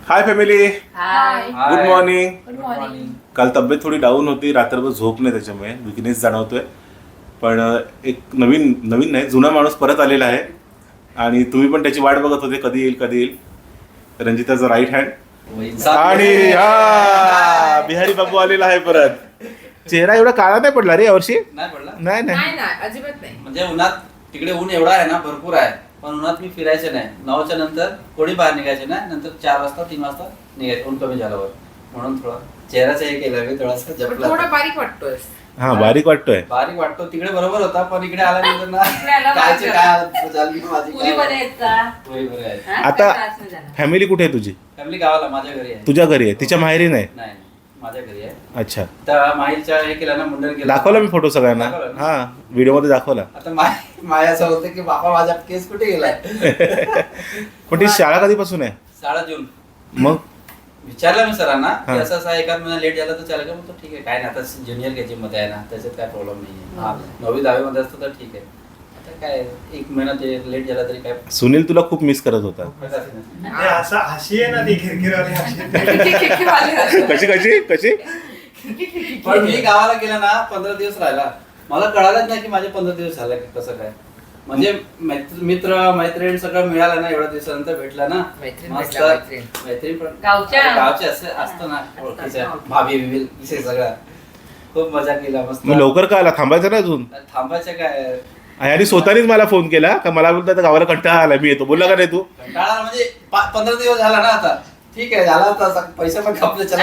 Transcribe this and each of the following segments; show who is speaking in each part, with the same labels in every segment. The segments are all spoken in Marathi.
Speaker 1: हाय family,
Speaker 2: hi.
Speaker 1: Good morning.
Speaker 2: Good morning.
Speaker 1: काल तब्येत थोडी डाऊन होती, रात्रभर झोप नाही, त्याच्यामुळे विकनेस जाणवतोय. पण एक नवीन नाही, जुना माणूस परत आलेला आहे आणि तुम्ही पण त्याची वाट बघत होते, कधी येईल. रंजिताचा राईट हँड आणि हा बिहारी बाबू आलेला आहे परत. चेहरा एवढा काळा नाही पडला रे यावर्षी.
Speaker 3: नाही पडला.
Speaker 1: नाही
Speaker 2: अजिबात नाही.
Speaker 3: म्हणजे उन्हात तिकडे ऊन एवढा आहे ना, भरपूर आहे, पण उन्हात मी फिरायचे नाही. 9च्या नंतर कोणी बाहेर निघायचे नाही. नंतर 4 वाजता 3 वाजता निघायचे ऊन कमी झाल्यावर. म्हणून थोडा चेहराचं हे केलं मी, थोडासा जपला.
Speaker 2: थोडा बारीक वाटतोय.
Speaker 1: हा बारीक वाटतोय.
Speaker 3: बारीक वाटतो. तिकडे बरोबर होता, पण इकडे आल्यानंतर ना
Speaker 2: इकडे आला
Speaker 3: कायचे काय झाली माझी.
Speaker 2: पुरी बरे आहेत का?
Speaker 3: पुरी बरे आहे.
Speaker 2: हा?
Speaker 1: आता
Speaker 2: काय त्रास नाही झाला?
Speaker 1: फॅमिली कुठे आहे तुझी?
Speaker 3: फॅमिली गावाला माझ्या घरी आहे.
Speaker 1: तुझ्या घरी आहे, तिच्या माहेरी नाही?
Speaker 3: नाही माझ्या घरी आहे.
Speaker 1: अच्छा,
Speaker 3: तर माहीच्या हे केलं ना, मुंडन केलं.
Speaker 1: दाखवला मी फोटो सगळ्यांना.
Speaker 3: दाखवला ना?
Speaker 1: हा व्हिडिओ मध्ये दाखवला.
Speaker 3: आता माया असं होतं की बाबा माझा केस कुठे गेलाय.
Speaker 1: पण ती शाळा कधीपासून आहे?
Speaker 3: 7 जून.
Speaker 1: मग
Speaker 3: विचारलं मी सरांना की
Speaker 1: हा.
Speaker 3: असं एखाद महिना लेट झाला तर चालेल का. म्हणतो ठीक आहे, काय नाही, आता ज्युनियर केजी मध्ये आहे ना, त्याच्यात काय प्रॉब्लेम नाही. हा 9वी 10वी मध्ये असतं तर ठीक आहे. आता काय 1 महिना ते लेट झाला तरी काय
Speaker 1: सुनील तुला खूप मिस करत होता.
Speaker 3: फायदा नाही.
Speaker 4: ते असं हशी आहे ना, ती खिरखिरवाली
Speaker 1: कशी
Speaker 3: पण मी गावाला गेला ना, 15 दिवस राहिला. मला कळालंच नाही की माझे 15 दिवस झाले कसं काय. म्हणजे मित्र मैत्रीण सगळं मिळालं ना, एवढ्या दिवसानंतर भेटला ना.
Speaker 2: मैत्रीण
Speaker 3: मस्त
Speaker 2: भेटला, मैत्रीण.
Speaker 3: मैत्रीण पण
Speaker 2: गावच्या
Speaker 3: असतं ना, ओळखीच्या भाभी बिभी विषय सगळं. खूप मजा केला, मस्त.
Speaker 1: मग लवकर का आला? थांबायचं ना अजून?
Speaker 3: थांबायचं काय.
Speaker 1: आणि स्वतःनीच मला फोन केला का, मला बोलतात गावाला कंटाळा आला, मी येतो. बोलला का नाही तू?
Speaker 3: कंटाळा म्हणजे 15 दिवस झाला ना आता. ठीक आहे, झाला आता पैसे पण खपले. चला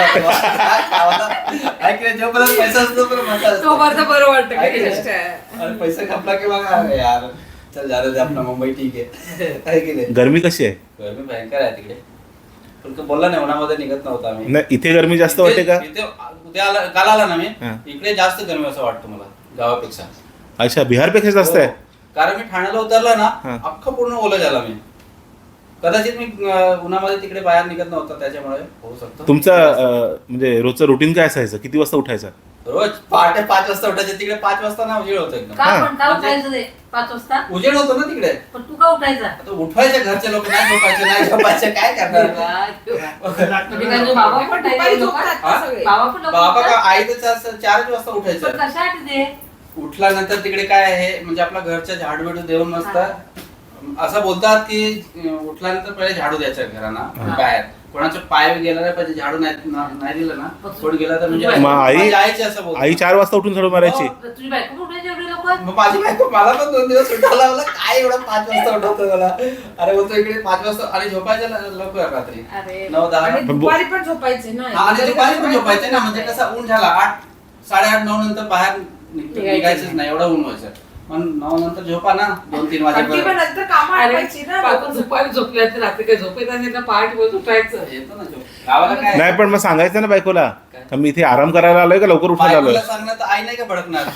Speaker 3: जोपर्यंत पैसा असतो पण मजा असते.
Speaker 2: तोपर्यंत बरं वाटतं
Speaker 3: आहे
Speaker 2: की
Speaker 3: की
Speaker 2: गोष्ट आहे.
Speaker 3: नाही? आणि पैसा खपला की मग अरे यार चल झालं ते आपलं मुंबई ठीक आहे. आहे की नाही.
Speaker 1: गरमी कशी आहे?
Speaker 3: गरमी भयंकर आहे तिकडे. पण तो बोलला नाही, उन्हामध्ये निघत नव्हता आम्ही.
Speaker 1: नाही इथे गरमी जास्त वाटते का?
Speaker 3: उद्या आला, काल आला ना मी,
Speaker 1: हा.
Speaker 3: इकडे जास्त गरमी असं वाटतं मला गावापेक्षा.
Speaker 1: अच्छा, बिहारपेक्षा जास्त आहे?
Speaker 3: हो. कारण मी ठाण्याला उतरला ना,
Speaker 1: हा.
Speaker 3: अख्खं पूर्ण ओलं झाला मी. कदाचित मी उन्हामध्ये तिकडे बाहेर निघत नव्हता, त्याच्यामुळे होऊ शकतो.
Speaker 1: तुमचं म्हणजे रोजचं रुटीन काय असायचं? किती वाजता उठायचं?
Speaker 3: रोज पहाटे 5 वाजता उठायचे. तिकडे 5 वाजता ना उजेड होतो एकदम.
Speaker 2: का
Speaker 1: हा.
Speaker 2: पण का उठायचं ते 5 वाजता?
Speaker 3: उजेड होतो ना तिकडे.
Speaker 2: पण तू का उठायचा?
Speaker 3: आता उठवायचे घरचे लोक, नाही झोपायचे काय करणार.
Speaker 2: म्हणजे काय, बाबा पण उठायचे लोक?
Speaker 3: हा?
Speaker 2: बाबा पण लवकर
Speaker 3: बाबा का
Speaker 2: उठतात?
Speaker 3: आई तर 4 वाजता
Speaker 2: पण
Speaker 3: उठायचं.
Speaker 2: कशासाठी ते?
Speaker 3: उठल्यानंतर तिकडे काय आहे म्हणजे आपला घरच्या झाडू बिडू देऊन मस्त असं बोलतात की उठल्यानंतर पहिले झाडू द्यायचा घरांना बाहेर. कोणाचे पाय गेला नाही पाहिजे, झाडू नाही दिलं ना, कोण गेला तर म्हणजे
Speaker 1: मग आई-
Speaker 3: आईचे असं बोलतात.
Speaker 1: आई 4 वाजता उठून झाडू मारायची?
Speaker 3: हो.
Speaker 2: तुझी बायको पण उठायची एवढी लवकर?
Speaker 3: मग माझी बायको मला पण 2 दिवस उठायला लावलं. काय एवढं 5 वाजता उठवतो मला. अरे बोलतो इकडे 5 वाजता आणि झोपायचं लवकर रात्री
Speaker 2: अरे.
Speaker 3: 9-10.
Speaker 2: आणि दुपारी पण झोपायचे ना.
Speaker 3: आणि दुपारी पण झोपायचं ना, म्हणजे कसं ऊन झाला 8, 8:30-9 नंतर बाहेर निघायचंच नाही, एवढं ऊन व्हायचं. पण 9 नंतर झोपा ना 2-3 वाजेपर्यंत.
Speaker 2: बायको दुपारी झोपल्या तर रात्री काय झोपेत आणि ना पहाटे बोलत उठायचं.
Speaker 3: येतो ना झोप. गावाला काय
Speaker 1: नाही पण मग सांगायचं ना बायकोला का मी इथे आराम करायला आलोय का लवकर उठायला आलोय?
Speaker 3: बायकोला सांगणार तर आई नाही का भडकणार.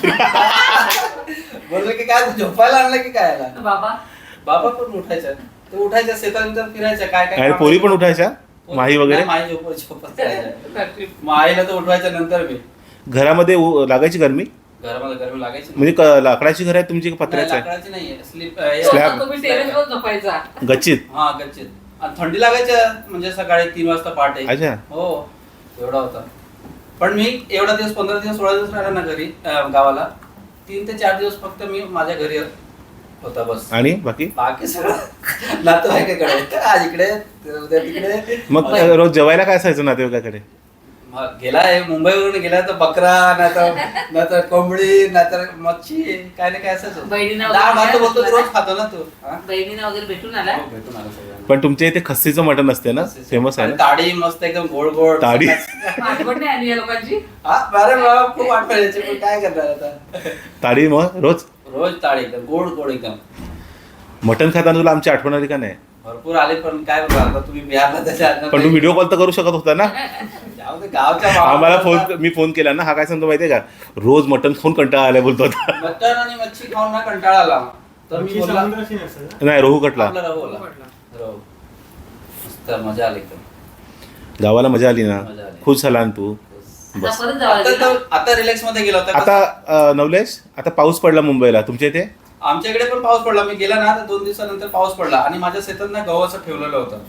Speaker 3: बोललं की काय तू झोपायला आणलं की काय आला.
Speaker 2: बाबा
Speaker 3: बाबा पण उठायच्या, ते उठायच्या शेतानंतर फिरायच्या काय काय
Speaker 1: आणि
Speaker 3: काम
Speaker 1: पोरी पण
Speaker 3: करायच्या.
Speaker 1: उठायच्या? माही वगैरे?
Speaker 3: नाही, माही झोपत राहायच्या. मग आईला तर उठवायच्या नंतर मी.
Speaker 1: घरामध्ये लागायची गरमी?
Speaker 3: घरामध्ये गरमी लागायची.
Speaker 1: म्हणजे लाकडाची घर आहे तुमची का पत्र्याचं आहे?
Speaker 3: लाकडाची नाहीये,
Speaker 1: स्लॅब.
Speaker 2: तुम्ही टेरेसवर झोपायचा.
Speaker 1: गच्चीत?
Speaker 3: हा गच्चीत. आणि थंडी लागायच्या म्हणजे सकाळी 3 वाजता पहाटे.
Speaker 1: अच्छा.
Speaker 3: हो एवढा होता. पण मी एवढा दिवस 15 दिवस 16 दिवस राहिला ना घरी गावाला. 3 ते 4 दिवस फक्त मी माझ्या घरी होता बस.
Speaker 1: आणि बाकी
Speaker 3: सगळं नातेवाईकाकडे. आज इकडे उद्या तिकडे.
Speaker 1: मग रोज जेवायला काय असायचं नातेवाईकाकडे?
Speaker 3: गेलाय मुंबईवरून गेला तर बकरा नाहीतर कोंबडी नाहीतर मच्छी काय ना काय असंच.
Speaker 2: बहिणींना
Speaker 3: डाळ भात
Speaker 2: वगैरे
Speaker 3: बोलतो रोज खातो ना तू. हा?
Speaker 2: बहिणीनं वगैरे भेटून आला.
Speaker 3: हो, भेटून आलो सगळ्यांना.
Speaker 1: पण तुमच्या इथे खस्सीचं मटण असते ना, फेमस आहे
Speaker 3: आणि
Speaker 1: ना?
Speaker 3: ताडी मस्त एकदम गोड गोड
Speaker 1: ताडी?
Speaker 2: आठवण नाही आली या लोकांची.
Speaker 3: हा अरे बाबा खूप आठवण यायची, पण काय करणार आता.
Speaker 1: ताडी मग रोज
Speaker 3: रोज ताडी एकदम गोड गोड एकदम.
Speaker 1: मटण खाताना तुला आमची आठवण आली का नाही?
Speaker 3: भरपूर आले, पण काय बोलणार आता तुम्ही बिहारला त्याच्या
Speaker 1: पण तू व्हिडिओ कॉल तर करू शकत होता ना?
Speaker 3: जाऊ दे, गावच्या
Speaker 1: आम्हाला
Speaker 3: भावाला
Speaker 1: मी फोन केला ना, हा काय सांगतो माहितीये का, रोज मटण खाऊन कंटाळा आलाय बोलतो होता.
Speaker 3: मटण आणि मच्छी खाऊन ना कंटाळा आला. तर मी बोलला
Speaker 4: समुद्राशी नसेल ना?
Speaker 1: नाही, रोहू कटला.
Speaker 3: आपला रहो बोला. रहो. मस्त मजा आली एकदम.
Speaker 1: गावाला मजा आली ना?
Speaker 3: मजा आली.
Speaker 1: खुश झाला ना तू?
Speaker 2: आता
Speaker 1: बस.
Speaker 2: परत जावं लागेल ना?
Speaker 3: आता रिलॅक्स मध्ये गेला होता.
Speaker 1: आता नवलेश, आता पाऊस पडला मुंबईला, तुमच्या इथे?
Speaker 3: आमच्याकडे पण पाऊस पडला. मी गेला ना तर 2 दिवसानंतर पाऊस पडला आणि माझ्या शेतात ना गहू असं ठेवलेलं होतं.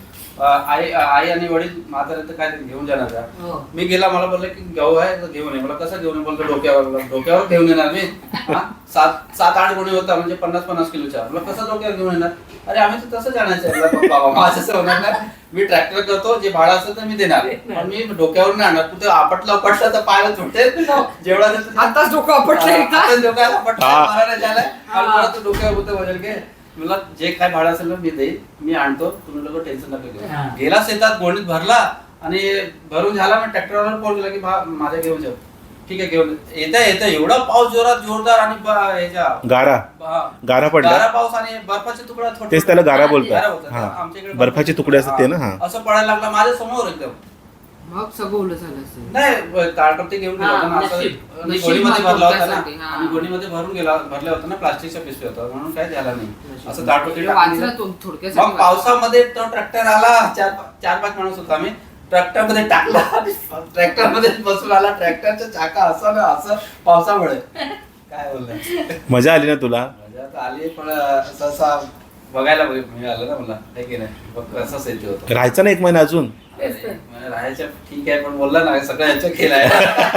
Speaker 3: आई आणि वडील म्हातारे तर काय घेऊन जाणार का?
Speaker 2: हो.
Speaker 3: मी गेला, मला बोलले की गहू आहे तर घेऊन ये. मला कसं घेऊन ये? बोलतो डोक्यावर घेऊन येणार मी. 7-8 गोणी होता म्हणजे 50-50 किलोचा. मला कसं डोक्यावर घेऊन येणार? अरे आम्ही तर तसं जाण्याचं बाबा, माझं असं होणार नाही. मी ट्रॅक्टर करतो, जे भाडं असेल तर मी देणार, पण मी डोक्यावर नाही आणणार. कुठे आपटला तर पाय तुटेल. जेवढा
Speaker 2: आताच डोकं आपटलंय का?
Speaker 3: डोक्याला आपटला,
Speaker 1: हा.
Speaker 3: मारायला झालाय आणि
Speaker 2: हा.
Speaker 3: परत डोक्यावर होतं बदल घे. मला जे काय भाडं असेल ना मी देईन, मी आणतो, तुम्ही लोक टेन्शन नका
Speaker 2: हा.
Speaker 3: घेऊ. गेला शेतात गोणीत भरला आणि भरून झाला, मी ट्रॅक्टरवर फोन केला की माझ्या घेऊन जाऊ. ठीक आहे घेऊन येता एवढा पाऊस जोरदार आणि ह्याच्या
Speaker 1: गारा गारा पडला.
Speaker 3: गारा पाऊस आणि बर्फाचे तुकडा
Speaker 1: तेच त्याला गारा
Speaker 3: गारा
Speaker 1: बोलतात.
Speaker 3: बोलतात.
Speaker 1: हा
Speaker 3: आमच्याकडे
Speaker 1: बर्फाचे तुकडे असतात ते ना. हा
Speaker 3: असं पडायला लागला माझ्या समोर एकदम.
Speaker 2: मग सगळं ओलं झालं असेल.
Speaker 3: नाही ताडपत्री घेऊन गेला होता ना, असं
Speaker 2: नशीब.
Speaker 3: आणि
Speaker 2: नशीब
Speaker 3: गोणीमध्ये भरला होता ना,
Speaker 2: त्यासाठी, हा.
Speaker 3: आणि गोणीमध्ये भरल्या होता ना, प्लास्टिकच्या पिशवी होता म्हणून काय झाला नाही.
Speaker 2: नशीब.
Speaker 3: असं ताडपत्री
Speaker 2: वाचलं
Speaker 3: टाकून दिलं.
Speaker 2: तो थोडक्यासाठी
Speaker 3: मग पावसामध्ये तो ट्रॅक्टर आला, 4-5 माणूस होता, आम्ही ट्रॅक्टर मध्ये टाकला, ट्रॅक्टर मध्ये बसून आला. ट्रॅक्टरच्या चाका असं ना असं पावसामुळे काय बोललं.
Speaker 1: मजा आली ना तुला?
Speaker 3: मजा तर आली, पण असं बघायला मिळालं ना मला, हे की नाही, बघ कसं येते होतं.
Speaker 1: राहायचं ना 1 महिना अजून?
Speaker 3: म्हणजे राहायचं ठीक आहे, पण बोलला ना सगळं यांच्या खेळ आहे.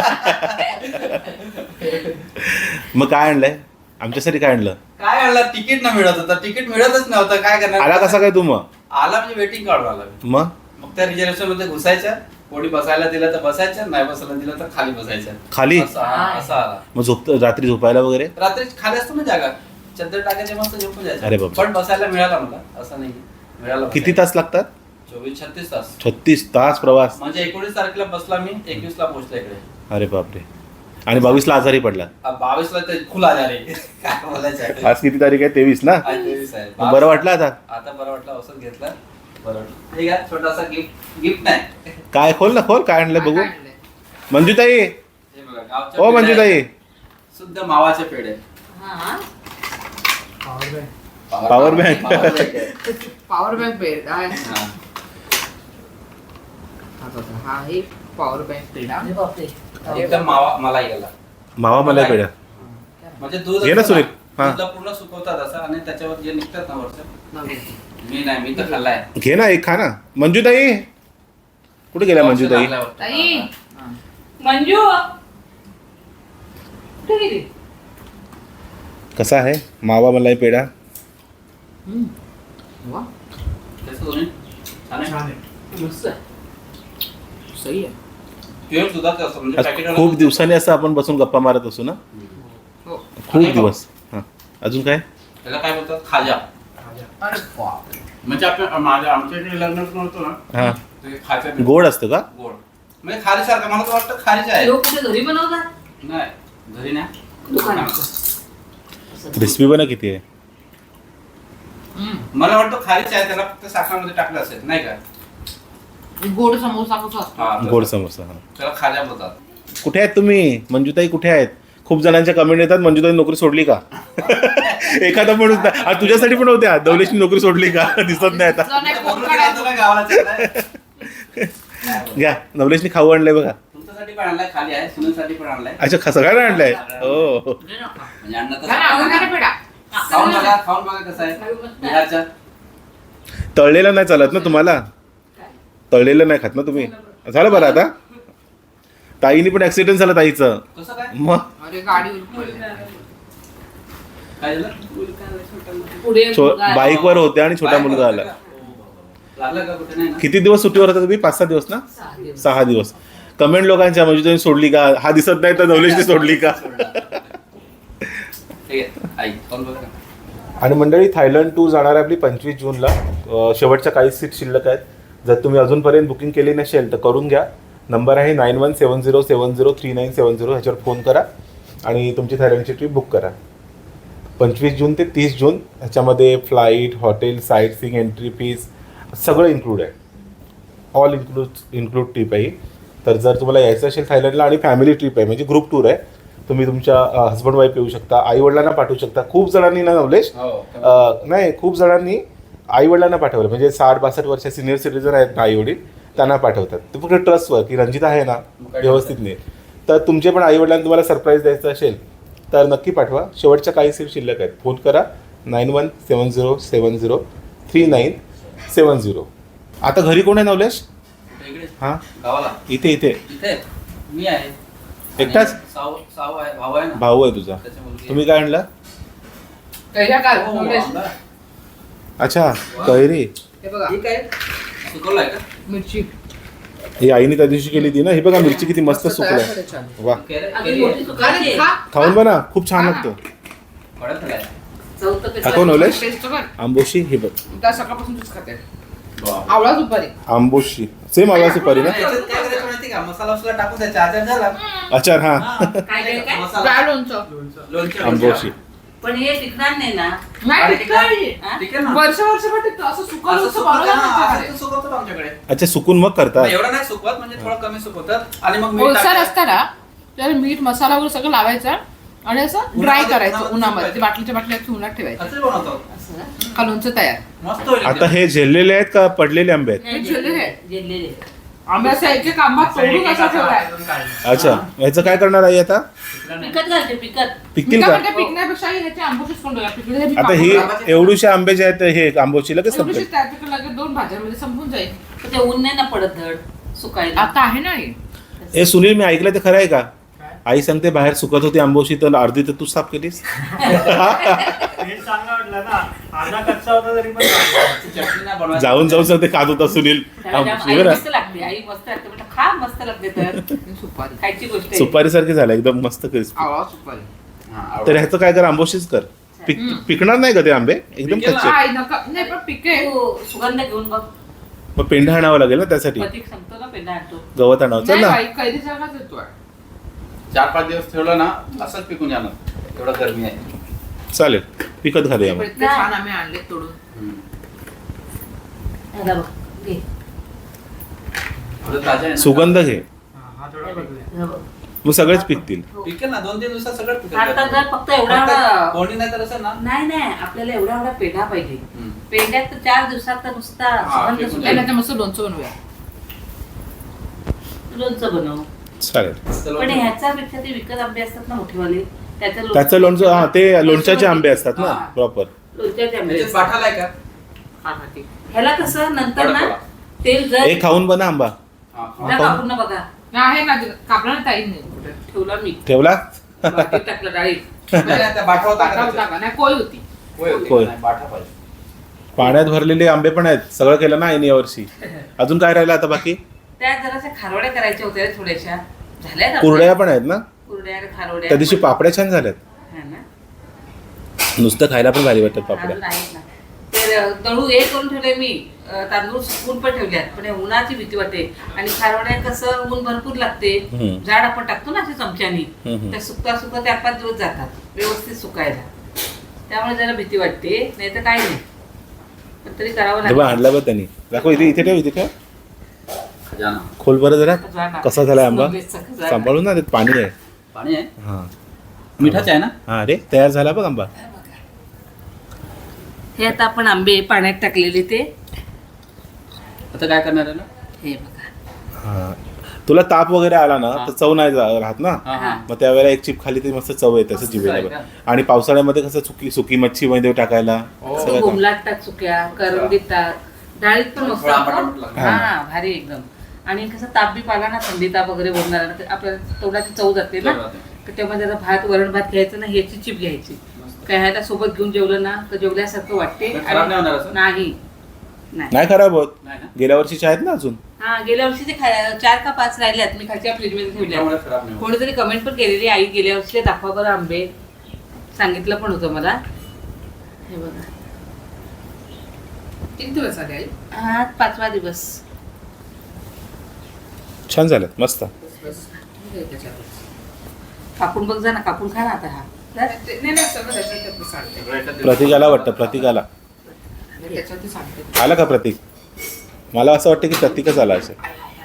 Speaker 1: मग काय आणलंय आमच्यासाठी? काय आणलं?
Speaker 3: काय आणलं? तिकीट न मिळत होतं, तिकीट मिळतच नव्हतं, काय करणार.
Speaker 1: आला कसा काय तू मग?
Speaker 3: आला म्हणजे वेटिंग काढून आला मी.
Speaker 1: मग
Speaker 3: त्या रिझर्वेशन मध्ये घुसायच्या, कोणी बसायला दिलं तर बसायचं, नाही बसायला दिलं तर खाली बसायचं.
Speaker 1: खाली?
Speaker 3: असं आला.
Speaker 1: मग रात्री झोपायला वगैरे?
Speaker 3: रात्री खाली असतो ना जागा, चद्दर टाकायचे, मस्त झोपून
Speaker 1: अरे
Speaker 3: जायचं.
Speaker 1: बापरे.
Speaker 3: पण बसायला मिळाला मला, असं नाही मिळाला.
Speaker 1: किती तास लागतात?
Speaker 3: 24-36 तास.
Speaker 1: 36 तास प्रवास.
Speaker 3: म्हणजे 19 तारखेला बसला मी, 21 ला पोहोचला इकडे.
Speaker 1: अरे बापरे. आणि 22 ला आजारी पडला.
Speaker 3: 22 ला तर खुला झाले. काय बोलायचं.
Speaker 1: आज किती तारीख आहे? 23 ना?
Speaker 3: आज 23 आहे.
Speaker 1: मग बरं वाटलं आता?
Speaker 3: आता बरं वाटलं, औषध घेतलं, बरं वाटलं. ठीक आहे, छोटासा गिफ्ट नाही.
Speaker 1: काय? खोल ना, खोल. काय आणलंय बघू. मंजूताई,
Speaker 3: हे बघा, गावच्या
Speaker 1: ओ
Speaker 3: पेढे
Speaker 1: मंजूताई.
Speaker 3: आहेत. शुद्ध मावाचे पेढे.
Speaker 2: हा.
Speaker 1: Power bank.
Speaker 2: Power bank paid आहे.
Speaker 3: हा.
Speaker 2: हा हे पॉवर बँक पेढा.
Speaker 3: एकदम मावा मलाई गेला.
Speaker 1: मावा मला पेढ्या.
Speaker 3: म्हणजे दूध
Speaker 1: घे ना
Speaker 3: असतं
Speaker 1: सुनील. हा.
Speaker 3: दूधला पूर्ण सुकवतात असं, आणि त्याच्यावर जे निघतात ना वरचं. मी तर खाल्लाय.
Speaker 1: घे ना, एक खा ना. मंजूताई कुठे गेल्या? मंजूताई
Speaker 2: ताई
Speaker 5: मंजू कुठे गेली?
Speaker 1: कसा आहे मावा मलाई पेढा?
Speaker 2: वा
Speaker 3: कसं दोन्ही? छान आहे?
Speaker 4: छान आहे.
Speaker 2: मस्त आहे. सही आहे.
Speaker 3: प्युअर दुधाचं असतं, म्हणजे
Speaker 1: आज
Speaker 3: पॅकेट.
Speaker 1: खूप दिवसांनी असं आपण बसून गप्पा मारत असू ना,
Speaker 2: हो.
Speaker 1: खूप दिवस. हा अजून काय?
Speaker 3: त्याला काय बोलतात? खाजा.
Speaker 2: अरे बाप.
Speaker 3: म्हणजे आमच्या इकडे लग्न नव्हतं ना,
Speaker 1: हा
Speaker 3: ते खायचं
Speaker 1: गोड असतं का?
Speaker 3: गोड म्हणजे खारीसारखं. मला तर वाटतं खारीच आहे.
Speaker 2: लोक कुठे घरी बनवतात?
Speaker 3: नाही घरी नाही,
Speaker 2: दुकानात.
Speaker 1: क्रिस्पी पण किती आहे?
Speaker 3: मला वाटतं खारीच आहे, त्याला फक्त साखरेमध्ये टाकलं असेल, नाही का?
Speaker 2: गोड समोसा कसा असतो?
Speaker 3: हा,
Speaker 1: गोड समोसा. हा.
Speaker 3: त्याला खाजा बोलतात.
Speaker 1: कुठे आहेत तुम्ही? मंजूताई कुठे आहेत? खूप जणांच्या कमेंट येतात, मंजूताई नोकरी सोडली का? एखादा माणूस नाही. आज तुझ्यासाठी पण होत्या, दौलेशनी नोकरी सोडली का? दिसत नाही आता.
Speaker 2: तुझा नाही फोन
Speaker 3: बोलून
Speaker 2: काढायचा.
Speaker 3: गेला तुला गावाला चाललाय. काय बोलतो?
Speaker 1: घ्या, नवलेशनी खाऊ आणलंय बघा.
Speaker 3: तुमच्यासाठी पण आणलाय, खाली आहे, सुनीलसाठी पण आणलाय.
Speaker 1: अच्छा, सगळ्यांना आणलंय. हो.
Speaker 3: म्हणजे अन्न तर
Speaker 2: घ्या ना, अजून काय पेढा?
Speaker 3: खाऊन बघा कसं आहे बिहारच्या.
Speaker 1: तळलेलं नाही चालत ना तुम्हाला? तळलेलं नाही खात ना तुम्ही? झालं बरं आता? ताईनी पण ऍक्सिडेंट झाला ताईचं.
Speaker 3: कसं काय?
Speaker 1: मग
Speaker 2: अरे गाडी उलटली.
Speaker 3: काय झालं?
Speaker 5: पुढे
Speaker 1: बाईकवर होते आणि छोटा मुलगा आला.
Speaker 3: लागलं का? कुठे नाही ना?
Speaker 1: किती दिवस सुट्टीवर होता तुम्ही? 5-6 दिवस ना? 6 दिवस. कमेंट लोकांच्या म्हणजे तुम्ही सोडली का? हा दिसत नाही तर नवलेशने सोडली का?
Speaker 3: ठीक आहे, आई खाऊन बघा.
Speaker 1: आणि मंडळी, थायलंड 2 जाणार आहे आपली 25 जूनला. शेवटच्या काही सीट शिल्लक आहेत. जर तुम्ही अजूनपर्यंत बुकिंग केली नसेल तर करून घ्या. नंबर आहे 9170703970. ह्याच्यावर फोन करा आणि तुमची थायलंडची ट्रिप बुक करा. 25 जून ते 30 जून ह्याच्यामध्ये flight, hotel, sightseeing, entry fees सगळं इन्क्लूड आहे. ऑल इन्क्लूड ट्रिप आहे ही. तर जर तुम्हाला यायचं असेल थायलंडला, आणि फॅमिली ट्रिप आहे म्हणजे ग्रुप टूर आहे, तुम्ही तुमच्या हस्बंड वाईफ येऊ शकता, आईवडिलांना पाठवू शकता. खूप जणांनी ना नवलेश, नाही खूप जणांनी आईवडिलांना पाठवलं, म्हणजे 60-62 वर्ष सिनियर सिटीजन आहेत ना आईवडील, त्यांना पाठवतात. ते फक्त ट्रस्टवर की रंजिता आहे ना व्यवस्थित नाही. तर तुमचे पण आईवडिलांना तुम्हाला सरप्राईज द्यायचं असेल तर नक्की पाठवा. शेवटच्या काही सीट शिल्लक आहेत. फोन करा 9170703970. आता घरी कोण आहे नवलेश?
Speaker 3: इकडे
Speaker 1: हा
Speaker 3: गावाला
Speaker 1: इथे इथे
Speaker 3: इथे मी आहे.
Speaker 1: एकटाच?
Speaker 3: आणि साऊ आहे, भाऊ आहे ना.
Speaker 1: भाऊ आहे तुझा.
Speaker 3: त्याची मुलगी
Speaker 1: तुम्ही काय आणलं?
Speaker 2: कैऱ्या काय
Speaker 3: आहे. हो,
Speaker 2: नवलेश?
Speaker 3: आंबा.
Speaker 1: अच्छा कैरी.
Speaker 2: हे बघा
Speaker 3: ही काय सुकवलाय का?
Speaker 2: मिरची
Speaker 1: ही आईने त्या दिवशी केली ती ना. ही बघा मिरची किती मस्त
Speaker 2: तयार
Speaker 1: सुकल्या.
Speaker 2: झाले छान.
Speaker 1: वा
Speaker 5: अगदी मोठी सुकायची आहे.
Speaker 2: खा.
Speaker 1: खाऊन बना खूप छान लागतो.
Speaker 3: कडक आहे.
Speaker 5: चौथं कसं
Speaker 1: दाखव नवलेश.
Speaker 2: टेस्ट कर.
Speaker 1: आंबोशी हे बघ.
Speaker 2: त्या सकाळपासून तूच खाते
Speaker 3: बाप.
Speaker 2: आवळा दुपारी
Speaker 1: आंबोशी सेम आवा सुपारी ना.
Speaker 3: याच्यात काय करायचं माहिती का? मसाला वसाला टाकून द्यायचा. आचार झाला.
Speaker 1: अच्छा हा
Speaker 3: हा.
Speaker 5: काय काय काय
Speaker 3: मसाला.
Speaker 2: काय लोणचं
Speaker 3: लोणचं.
Speaker 1: आंबोशी.
Speaker 5: पण हे टिकणार नाही ना.
Speaker 2: नाही
Speaker 3: अरे,
Speaker 2: टिकतं.
Speaker 5: हा?
Speaker 3: ठीक आहे ना.
Speaker 2: वर्ष टिकतं असं सुकवलं
Speaker 3: असं
Speaker 2: असं
Speaker 3: सुकवतात
Speaker 2: बनवलं
Speaker 3: ना,
Speaker 2: आमच्याकडे.
Speaker 3: असं सुकवतात आमच्याकडे.
Speaker 1: अच्छा सुकून मग करतात.
Speaker 3: एवढं नाही सुकवत म्हणजे थोडं कमी सुकवतात आणि मग मीठ
Speaker 2: ओलसर
Speaker 3: टाकतात.
Speaker 2: असताना त्याला मीठ मसाला वगैरे सगळं लावायचं आणि असं ड्राय
Speaker 3: उन्हामध्ये-
Speaker 2: करायचं
Speaker 3: उन्हामध्ये
Speaker 2: उन्हामध्ये
Speaker 3: सुकवायचं.
Speaker 2: बाटलीच्या बाटल्यात उन्हात ठेवायचं
Speaker 3: असंच बनवतो.
Speaker 5: असं ना?
Speaker 2: का लोणचं तयार
Speaker 3: मस्त होईल
Speaker 1: आता
Speaker 3: एकदम.
Speaker 1: हे झेललेले आहेत का पडलेले आंबे आहेत?
Speaker 5: नाही,
Speaker 2: जिरलेले.
Speaker 5: जिरलेले.
Speaker 2: आम्ही असं एक एक आंबा तोडून असा ठेवलाय
Speaker 1: अच्छा ह्याचं काय करणार आई आता?
Speaker 5: पिकत घालते पिकत.
Speaker 1: पिकतील का?
Speaker 2: पिकण्यापेक्षा ह्याचे आंबोशीच करून ठेवूया. पिकले तरी
Speaker 1: आता
Speaker 2: पापड
Speaker 1: ही
Speaker 2: लावायचे.
Speaker 1: एवढीशे आंबे जे आहेत हे आंबोशी लगेच
Speaker 2: एवढीशी
Speaker 1: संपेल.
Speaker 2: त्याच्याकडे लगेच 2 भाज्यांमध्ये संपून जाईल.
Speaker 5: पण ते ऊन नाही ना पडत धड सुकायला.
Speaker 2: आता आहे ना हे.
Speaker 1: ए सुनील मी ऐकलं ते खरं आहे का? आई सांगते बाहेर सुकत होती आंबोशी तर अर्धी तर तू साफ केलीस.
Speaker 4: हे चांगलं वाटलं ना. अर्धा कच्चा होता तरी पण चांगला.
Speaker 3: चटणी नाही बनवायची.
Speaker 1: जाऊन जाऊन सांगते खात होता सुनील
Speaker 5: त्याला
Speaker 1: आंबोशी
Speaker 5: आई
Speaker 1: बरं.
Speaker 5: मस्त लागते. आई मस्त लागते म्हटलं खा मस्त लागते तर
Speaker 2: सुपारी
Speaker 5: खायची गोष्ट आहे.
Speaker 1: सुपारी सारखी झालं एकदम मस्त क्रिस्पी.
Speaker 2: आवळा सुपारी
Speaker 3: हा,
Speaker 1: तर
Speaker 3: आवडतं.
Speaker 1: ह्याचं काय कर आंबोशीच कर. पिकणार नाही का ते आंबे एकदम
Speaker 3: पिकेल ना.
Speaker 1: कच्चे.
Speaker 2: काय नका नाही पण पिके
Speaker 5: तू सुगंध घेऊन बघ.
Speaker 1: मग पेंढा आणावं लागेल ना त्यासाठी.
Speaker 5: प्रतीक सांगतो ना पेंढा आणतो.
Speaker 1: गवत आणावं चल
Speaker 2: नाही
Speaker 1: ना.
Speaker 2: बाई, कैरी जागाच येतोय
Speaker 3: 4-5 दिवस ठेवलं ना असंच पिकून जाणार. एवढं गरमी आहे.
Speaker 1: चालेल पिकत घालूया मग.
Speaker 2: इतके छान आम्ही आणले तोडून
Speaker 3: हम्म.
Speaker 5: ह्याला बघ घे.
Speaker 3: एवढं ताजं आहे ना.
Speaker 1: सुगंध घे
Speaker 4: हा थोडा बदलूया.
Speaker 5: ह्याला बघ.
Speaker 1: मग सगळेच पिकतील.
Speaker 5: हो.
Speaker 3: पिकेल ना 2-3 दिवसात सगळं पिकेल.
Speaker 5: आता जर फक्त एवढा
Speaker 3: कोणी नाही तर असं ना.
Speaker 5: नाही नाही आपल्याला एवढा एवढा पेढा पाहिजे.
Speaker 3: हम्म.
Speaker 5: पेढ्यात तर 4 दिवसात तर नुसता
Speaker 3: हा,
Speaker 5: सुगंध
Speaker 3: फेकून
Speaker 5: सुटेल.
Speaker 2: त्याला मस्त लोणचं बनवूया
Speaker 5: लोणचं बनव.
Speaker 1: चालेल.
Speaker 5: पण ह्याच्यापेक्षा ते विकत आंबे असतात ना मोठेवाले
Speaker 1: त्याचं लोणचं हा ते लोणच्याचे आंबे असतात ना
Speaker 5: हा.
Speaker 1: प्रॉपर.
Speaker 5: लोणच्याचे आंबे
Speaker 3: त्याच्यात
Speaker 5: असतात.
Speaker 3: पाठाला आहे का?
Speaker 2: हा, हा, ठीक.
Speaker 5: ह्याला कसं नंतर ना
Speaker 3: कडकला.
Speaker 5: तेल जर
Speaker 1: हे खाऊन बना आंबा.
Speaker 3: हा,
Speaker 5: जा
Speaker 3: हा.
Speaker 5: कापून ना बघा
Speaker 2: आहे ना कापला ना ताई नाही कुठे
Speaker 5: ठेवला मी
Speaker 1: ठेवला
Speaker 5: वाटीत टाकलं डाळीत.
Speaker 3: नाही, नाही, त्या बाठावर
Speaker 2: टाका
Speaker 3: टाकायचं.
Speaker 2: टाका नाही कोय होती
Speaker 3: होय, होते.
Speaker 1: होय.
Speaker 3: नाही, बाठा पाहिजे.
Speaker 1: पाण्यात भरलेले आंबे पण आहेत. सगळं केलं ना आईने यावर्षी. अजून काय राहिलं आता बाकी?
Speaker 5: त्या जराशा खारोड्या करायच्या होत्या रे थोड्याशा झाल्या ना
Speaker 1: कुरड्या पण आहेत ना.
Speaker 5: कुरड्या आणि खारोड्या
Speaker 1: त्या दिवशी पापड्या छान झाल्यात.
Speaker 5: हा ना.
Speaker 1: नुसतं खायला पण भारी वाटतात पापड्या.
Speaker 5: अजून आहेत ना. तर दळू हे करून ठेवले मी तांदूळ सुकून पण ठेवल्यात पण या उन्हाची भीती वाटते आणि खारवड्या कसं ऊन भरपूर लागते.
Speaker 1: हम्म.
Speaker 5: झाड आपण टाकतो ना अशा चमच्यानी
Speaker 1: हम्म.
Speaker 5: त्या सुकता सुकता 4-5 दिवस जातात व्यवस्थित सुकायला. त्यामुळे जरा भीती वाटते नाही तर काय नाही पण तरी करावं
Speaker 1: जेव्हा
Speaker 5: लागतं.
Speaker 1: आणला बा त्यांनी दाखव इथे इथे ठेव इथे ठेव.
Speaker 3: खजाना.
Speaker 1: खोल बरं जरा
Speaker 5: खजाना.
Speaker 1: कसा झाला आंबा
Speaker 5: नॉनव्हेजचा खजाना.
Speaker 1: सांभाळून ना त्यात पाणी आहे.
Speaker 3: पाणी आहे.
Speaker 1: हा
Speaker 3: मिठाचं आहे ना.
Speaker 1: हा अरे तयार झाला बघ आंबा.
Speaker 5: हे आता आपण आंबे पाण्यात टाकलेले ते
Speaker 3: आता काय करणार आहे ना.
Speaker 5: हे बघा
Speaker 1: हा तुला ताप वगैरे आला ना
Speaker 3: हा.
Speaker 1: तर चव नाही राहत ना.
Speaker 3: हा, हा.
Speaker 1: मग त्यावेळेला एक चिप खाली तरी मस्त चव येते असं
Speaker 3: मस्त
Speaker 1: जिभेला
Speaker 3: आहे
Speaker 1: बघ.
Speaker 3: का?
Speaker 1: आणि पावसाळ्यामध्ये कसं सुकी मच्छी मध्ये टाकायला
Speaker 3: हो.
Speaker 1: सगळं काम.
Speaker 5: घुमलात टाक चुक्या करंदीत टाक डाळीत पण मस्त
Speaker 3: थोडा आंबट
Speaker 5: असतं.
Speaker 3: आंबट लागतं.
Speaker 5: हा भारी एकदम. आणि कसं ताप बी पाला ना थंडी ताप वगैरे बोलणार तर आपल्याला तोंडाची चव जाते ना
Speaker 3: चव जाते.
Speaker 5: तर तेव्हा जरा भात वरण भात घ्यायचं ना ह्याची चिप घ्यायची
Speaker 3: मस्त.
Speaker 5: काय ह्याला सोबत घेऊन जेवलं ना तर जेवल्यासारखं वाटते.
Speaker 3: पण खराब नाही होणार असं?
Speaker 5: नाही नाही
Speaker 1: नाही खराब होत.
Speaker 3: नाही ना.
Speaker 1: गेल्या वर्षीचे आहेत ना अजून.
Speaker 5: हा गेल्या वर्षी ते 4 का 5 राहिल्यात मी खालच्या फ्रीजमध्ये ठेवल्या.
Speaker 3: त्यामुळे खराब नाही होत.
Speaker 5: कोणीतरी कमेंट पण केलेली आई गेल्या वर्षी दाखवा बरं आंबे सांगितलं पण होतं मला. हे बघा
Speaker 2: किती दिवस आले आई
Speaker 5: हा 5वा दिवस.
Speaker 1: छान झाल्यात मस्त.
Speaker 2: बस ठीक आहे त्याच्यात
Speaker 5: कापून बघ जा ना कापून खा ना आता हा
Speaker 2: नाही नाही सगळं त्याच्यात सांगते
Speaker 3: सगळं एकाच दिवसात.
Speaker 1: प्रतीकाला वाटतं प्रतीकाला
Speaker 2: त्याच्यात सांगते
Speaker 1: आला का प्रतीक. मला असं वाटतं की प्रतीकच आला असेल.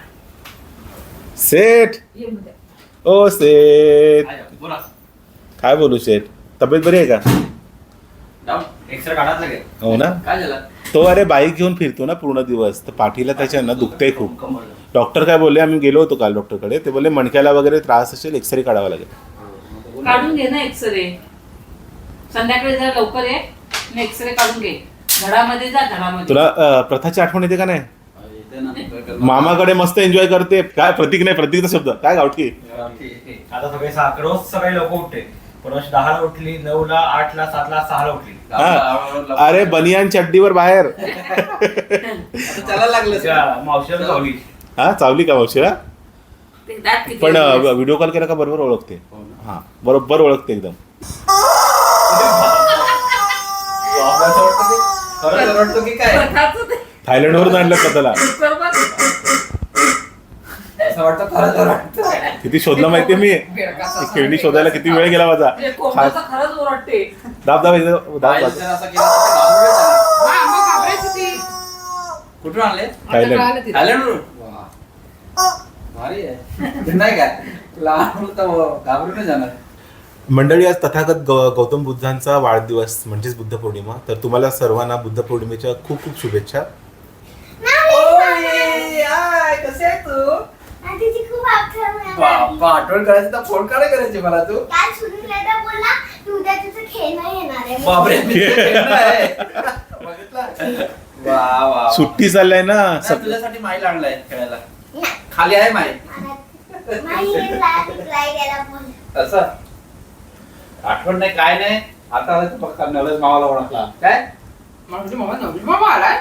Speaker 1: सेठ ओ सेठ
Speaker 3: आहे, बोला.
Speaker 1: काय बोलू सेठ तब्येत बरी आहे का?
Speaker 3: जाऊ, एक्सरे काढायला लागेल.
Speaker 1: हो ना.
Speaker 3: काय झालं.
Speaker 1: तो अरे बाईक घेऊन फिरतो ना पूर्ण दिवस तर पाठीला त्याच्या ना दुखतंय खूप.
Speaker 3: कमर.
Speaker 1: डॉक्टर काय बोलले आम्ही गेलो होतो काल डॉक्टरकडे ते बोलले मणक्याला वगैरे त्रास असेल एक्सरे काढावा लागेल.
Speaker 5: काढून घे ना एक्सरे संध्याकाळी जरा लवकर ये एक्सरे काढून घे. घरामध्ये जा घरामध्ये.
Speaker 1: तुला प्रथाची आठवण येते का नाही?
Speaker 3: दे ना, काय करणार?
Speaker 1: मामाकडे मस्त एन्जॉय करते. काय प्रतीक नाही, प्रतीकचा शब्द काय गावठी.
Speaker 4: आता सगळे रोज सकाळी लोक उठते. परवा 10ला उठली, 9ला, 8ला, 7ला, 6ला उठली.
Speaker 1: हा. अरे बनियान चड्डीवर बाहेर.
Speaker 3: आता त्याला लागलं
Speaker 4: त्या मावशीला चावली.
Speaker 1: हा चावली का मावशीला.
Speaker 5: ते दात किती
Speaker 1: पण
Speaker 5: दिवस?
Speaker 1: व्हिडिओ कॉल केला का बरोबर ओळखते.
Speaker 3: हो ना.
Speaker 1: हा बरोबर ओळखते एकदम.
Speaker 3: असं वाटतं की खरंच वाटतं की काय
Speaker 5: स्वतःचं ते
Speaker 1: थायलंड वरून आणलं स्वतःला.
Speaker 5: बरोबर.
Speaker 3: असं वाटतं खरंच वाटतं.
Speaker 1: किती शोधलं माहितीये मी.
Speaker 2: बेडकाचा
Speaker 1: ती खेळणी शोधायला किती वेळ गेला माझा.
Speaker 2: म्हणजे कोंबड्याचा खरंच ओरडते.
Speaker 1: दाब दाब दाब दाब.
Speaker 3: बाईला जर असं केलं तर ते घाबरून जाणार.
Speaker 2: हा, मग घाबरायची ती.
Speaker 3: कुठून आणले
Speaker 2: आता
Speaker 1: थायलंड.
Speaker 2: कळालं तिला.
Speaker 3: थायलंडवरून? वा. भारी आहे. नाही काय लहान मुलं तर घाबरून जाणार.
Speaker 1: मंडळी आज तथागत गौतम बुद्धांचा वाढदिवस म्हणजेच बुद्ध पौर्णिमा. तर तुम्हाला सर्वांना बुद्ध पौर्णिमेच्या खूप खूप शुभेच्छा.
Speaker 3: ओय, हाय, कशी आहे तू?
Speaker 6: आधीची खूप आठवण आहे
Speaker 3: बाप्पा, आठवण करायची तर फोन काय करायची मला तू?
Speaker 6: काल सुनीलला बोलला तू उद्या तुझं खेळणं येणार आहे
Speaker 3: बापरे, मी खेळणं आहे. बघितलं? वा वा.
Speaker 1: सुट्टी चाललाय ना.
Speaker 3: नाही, तुझ्यासाठी माईल आणलाय खेळायला. खाली आहे माईल. असं आठवण नाही काय नाही. आता आलं तर बघ नवलेश मामाला ओळखला काय.
Speaker 2: म्हणजे मामा नवरी मामा आलाय.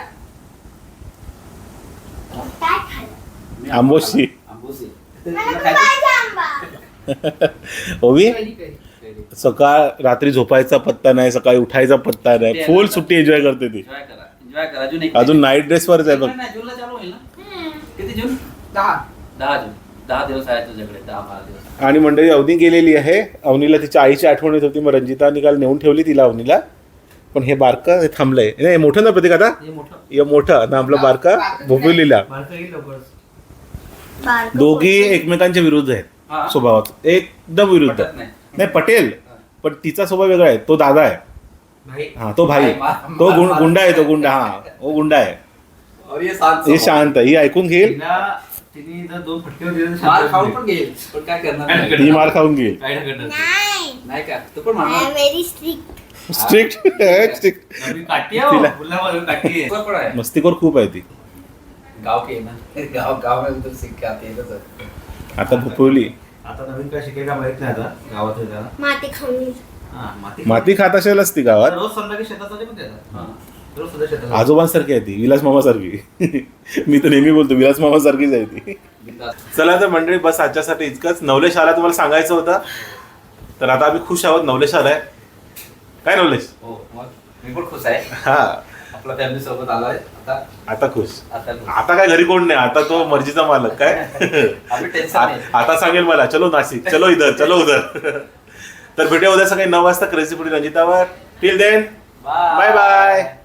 Speaker 6: काय खाल्लं
Speaker 1: आंबोशी.
Speaker 3: आंबोशी.
Speaker 6: मला
Speaker 3: तुला
Speaker 6: खूप
Speaker 3: खायचं?
Speaker 6: पाहिजे आंबा
Speaker 1: ओवी
Speaker 2: पहिली काही.
Speaker 1: सकाळ रात्री झोपायचा पत्ता नाही, सकाळी उठायचा पत्ता नाही. फुल सुट्टी एन्जॉय करते ती.
Speaker 3: एन्जॉय करा, एन्जॉय करा. अजून एक
Speaker 1: अजून नाईट ड्रेसवरच आहे बघ.
Speaker 3: नाही, जूनला चालू होईल ना. किती जून?
Speaker 2: 10.
Speaker 3: 10 जून. 10 दिवस आहेत तुझ्याकडे. 10-12 दिवस.
Speaker 1: आणि मंडळी अवनी गेलेली आहे. अवनीला तिच्या आईची आठवण येत होती. मग रंजिता निकाल नेऊन ठेवली तिला अवनीला. पण हे बारकं हे थांबलंय. नाही मोठं ना प्रतीक आता.
Speaker 3: हे मोठं.
Speaker 1: हे मोठं ना आपलं बारका भोपिवलीला.
Speaker 4: बारकं येईल लवकरच.
Speaker 6: बारकं
Speaker 1: दोघी
Speaker 6: पोरगं.
Speaker 1: एकमेकांच्या विरुद्ध आहेत
Speaker 3: हा.
Speaker 1: स्वभावात. एकदम विरुद्ध.
Speaker 3: पटत नाही.
Speaker 1: नाही पटेल पण तिचा स्वभाव वेगळा आहे. तो दादा आहे.
Speaker 4: भाई
Speaker 1: हा तो भाई. तो गुंडा आहे. तो गुंडा. हा तो गुंडा आहे.
Speaker 3: और ये शांत
Speaker 1: हे
Speaker 3: स्वभाव.
Speaker 1: शांत आहे. ही ऐकून घेईल.
Speaker 4: तिने जर 2 फटके दिले तर
Speaker 3: मार
Speaker 4: शांत
Speaker 3: खाऊन
Speaker 4: होईल.
Speaker 3: पण घेईल. पण काय करणार नाही.
Speaker 1: ही मार खाऊन घेईल.
Speaker 4: काय नाही करणार.
Speaker 6: नाही
Speaker 3: नाही का तू पण
Speaker 6: आय
Speaker 3: मारणार.
Speaker 6: Am very strict
Speaker 1: strict strict.
Speaker 4: नवी काठी आहे हो.
Speaker 1: तिला-
Speaker 4: मुलावर काठी आहे.
Speaker 3: तुला पण आहे.
Speaker 1: मस्तीखोर खूप आहे ती.
Speaker 3: गाव के ना गाव में उधर सीख के आती है तो.
Speaker 1: आता भोपिवली.
Speaker 4: आता नवीन काय शिकेल का माहित नाही. आता गावात आहे त्याला.
Speaker 6: माती खाऊन
Speaker 4: हा,
Speaker 1: माती खात असेलच ती गावात.
Speaker 4: रोज संध्याकाळी शेतात जाते पण त्याला.
Speaker 3: हा.
Speaker 4: रोज सध्या शेतात.
Speaker 1: आजोबांसारखी आहे ती. विलास मामासारखी. मी तर नेहमी बोलतो विलास मामासारखीच आहे ती.
Speaker 3: बिनधास्त.
Speaker 1: चला तर मंडळी बस आजच्यासाठी इतकंच. नवलेश आला तुम्हाला सांगायचं होतं. तर आता आम्ही खुश आहोत. नवलेश आलाय. काय नवलेश.
Speaker 3: हो मग मी पण खुश आहे.
Speaker 1: हा
Speaker 3: आपला फॅमिली सोबत आलाय आता.
Speaker 1: आता खुश.
Speaker 3: आता खुश.
Speaker 1: आता काय घरी कोण नाही. आता तो मर्जीचा मालक काय.
Speaker 3: आम्ही टेन्शन नाही.
Speaker 1: आता सांगेल मला चलो नाशिक, चलो इधर, चलो उधर. तर भेटूया उद्या सकाळी 9 वाजता क्रेझी पुढे रंजितावर. Till then bye bye.